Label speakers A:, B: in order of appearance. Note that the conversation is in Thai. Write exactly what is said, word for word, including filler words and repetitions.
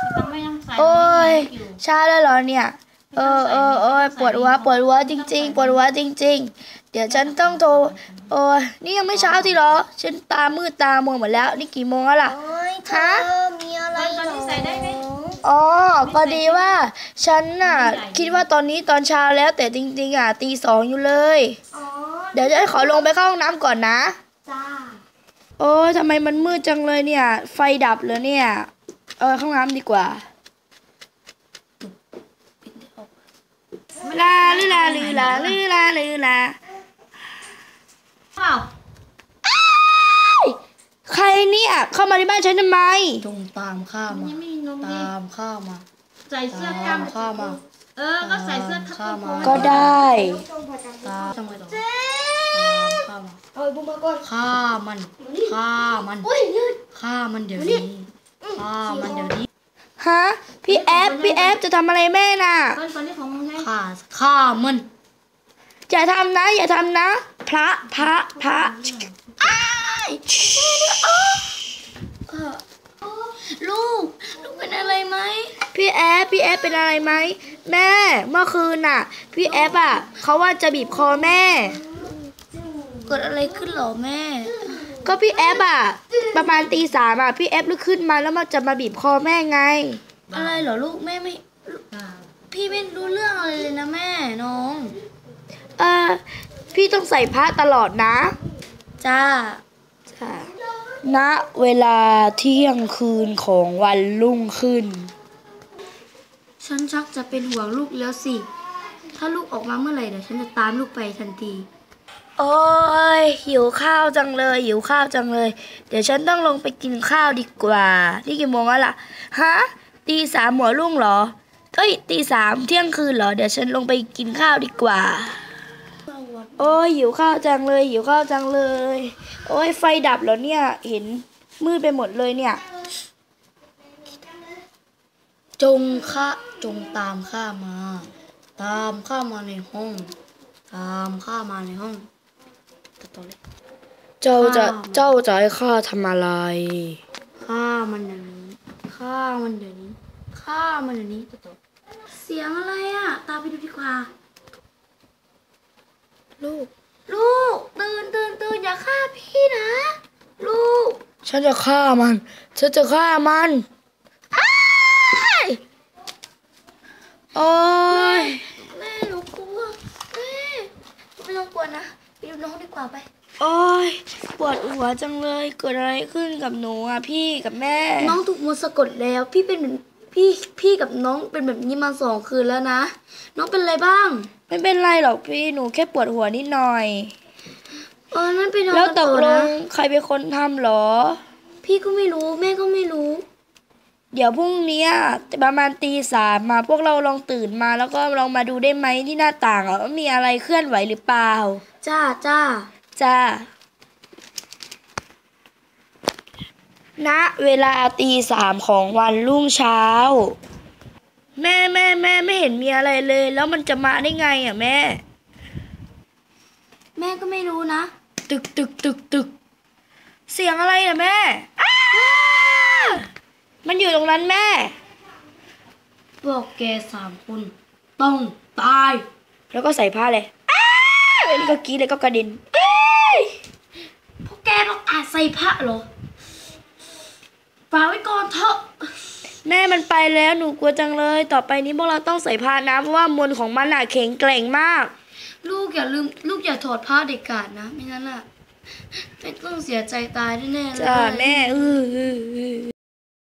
A: โอ้ยเช้าแล้วเหรอเนี่ยเออเออเออปวดหัวปวดหัวจริงๆปวดหัวจริงๆเดี๋ยวฉันต้องโทรโอ้ยนี่ยังไม่เช้าที่หรอฉันตามืดตามัวหมดแล้วนี่กี่โมงแล้วล่ะฮะ
B: มีอะไรหรอ
A: อ๋อพอดีว่าฉันน่ะคิดว่าตอนนี้ตอนเช้าแล้วแต่จริงๆอ่ะตีสองอยู่เลยเดี๋ยวจะขอลงไปเข้าห้องน้ำก่อนนะ
B: จ้า
A: โอ้ยทำไมมันมืดจังเลยเนี่ยไฟดับเลยเนี่ยเออเข้าห้องน้ำดีกว่าลาลือลาลือลาลือลาลือลา
B: อ้าว
A: ใครเนี่ยเข้ามาในบ้านฉันทำไม
C: จงตามข้ามาตามข้ามา
B: ใส่เสื้อกล้าม
C: ข้ามา
B: เออก็ใส่เสื้อกล้าม
A: ก็ได้
C: ตามข้ามา
B: เจ๊
C: ข้ามา
B: เอาบุ้มมาก่อน
C: ฆ่ามันฆ่ามันฆ่ามันเดี๋ยวนี้ฆ่ามันเดี๋ยวนี้
A: ฮะพี่แอฟพี่แอฟจะทำอะไรแม่น่ะ
C: ฆ่าฆ่ามัน
A: อย่าทำนะอย่าทำนะพระพระพระ
B: ลูกลูกเป็นอะไรไหม
A: พี่แอฟพี่แอฟเป็นอะไรไหมแม่เมื่อคืนน่ะพี่แอฟอ่ะเขาว่าจะบีบคอแม่
B: เกิดอะไรขึ้นหรอแม่
A: ก็พี่แอฟอ่ะประมาณตีสามอ่ะพี่แอฟลุกขึ้นมาแล้วมันจะมาบีบคอแม่ไง
B: อะไรเหรอลูกแม่ไม่พี่ไม่รู้เรื่องอะไรเลยนะแม่น้อง
A: เออพี่ต้องใส่ผ้าตลอดนะ
B: จ้า
A: จ้าณเวลาเที่ยงคืนของวันรุ่งขึ้น
B: ฉันชักจะเป็นห่วงลูกแล้วสิถ้าลูกออกมาเมื่อไหร่เดี๋ยวฉันจะตามลูกไปทันที
A: โอ้ยหิวข้าวจังเลยหิวข้าวจังเลยเดี๋ยวฉันต้องลงไปกินข้าวดีกว่านี่กี่โมงแล้วล่ะฮะตีสามหัวรุ่งเหรอเอ้ยตีสามเที่ยงคืนเหรอเดี๋ยวฉันลงไปกินข้าวดีกว่าโอ้ยหิวข้าวจังเลยหิวข้าวจังเลยโอ้ยไฟดับแล้วเนี่ยเห็นมืดไปหมดเลยเนี่ย
C: จงข้าจงตามข้ามาตามข้ามาในห้องตามข้ามาในห้อง
A: เจ้าจะเจ้าจะให้ข้าทำอะไร
C: ข้ามันเดี๋ยวนี้ข้ามันเดี๋ยวนี้ข้ามันเดี๋ยวนี้
B: เสียงอะไรอ่ะตามไปดูดีกว่า
A: ลูก
B: ลูกตื่นตื่นตื่นอย่าฆ่าพี่นะลูก
A: ฉันจะฆ่ามันฉันจะฆ่ามันโอ้ย
B: แม่หนูกลัวแม่ไม่ต้องกลัวนะไปดูน้องดีกว่าไป
A: โอ้ยปวดหัวจังเลยเกิดอะไรขึ้นกับหนูอ่ะพี่กับแม่
B: น้องถูกมนต์สะกดแล้วพี่เป็นพี่พี่กับน้องเป็นแบบนี้มาสองคืนแล้วนะน้องเป็นอะไรบ้าง
A: ไม่เป็นไรหรอกพี่หนูแค่ปวดหัวนิดหน่อย
B: เออนั่นเป็น
A: แล้วตกลงใครเป็นคนทำหรอ
B: พี่ก็ไม่รู้แม่ก็ไม่รู้
A: เดี๋ยวพรุ่งนี้ประมาณตีสามมาพวกเราลองตื่นมาแล้วก็ลองมาดูได้ไหมที่หน้าต่างอ่ะว่ามีอะไรเคลื่อนไหวหรือเปล่า
B: จ้าจ้า
A: จ้าณเวลาตีสามของวันรุ่งเช้าแม่แม่แม่ไม่เห็นมีอะไรเลยแล้วมันจะมาได้ไงอ่ะแม่
B: แม่ก็ไม่รู้นะ
A: ตึกตึกตึกตึกเสียงอะไรอ่ะแม่มันอยู่ตรงนั้นแม่
C: พวกแกสามคนต้องตาย
A: แล้วก็ใส่ผ้าเลยแล้วก็กรี๊ดเลยก็กระดิ่ง
B: พวกแกต้องอาจใส่ผ้าเหรอฝากไว้ก่อนเถอะ
A: แม่มันไปแล้วหนูกลัวจังเลยต่อไปนี้พวกเราต้องใส่ผ้านะเพราะว่ามนต์ของมันหนาแข็งแกร่งมาก
B: ลูกอย่าลืมลูกอย่าถอดผ้าเด็ดขาดนะไม่งั้นอ่ะไม่ต้องเสียใจตายแน่ๆเลย
A: จ้าแม่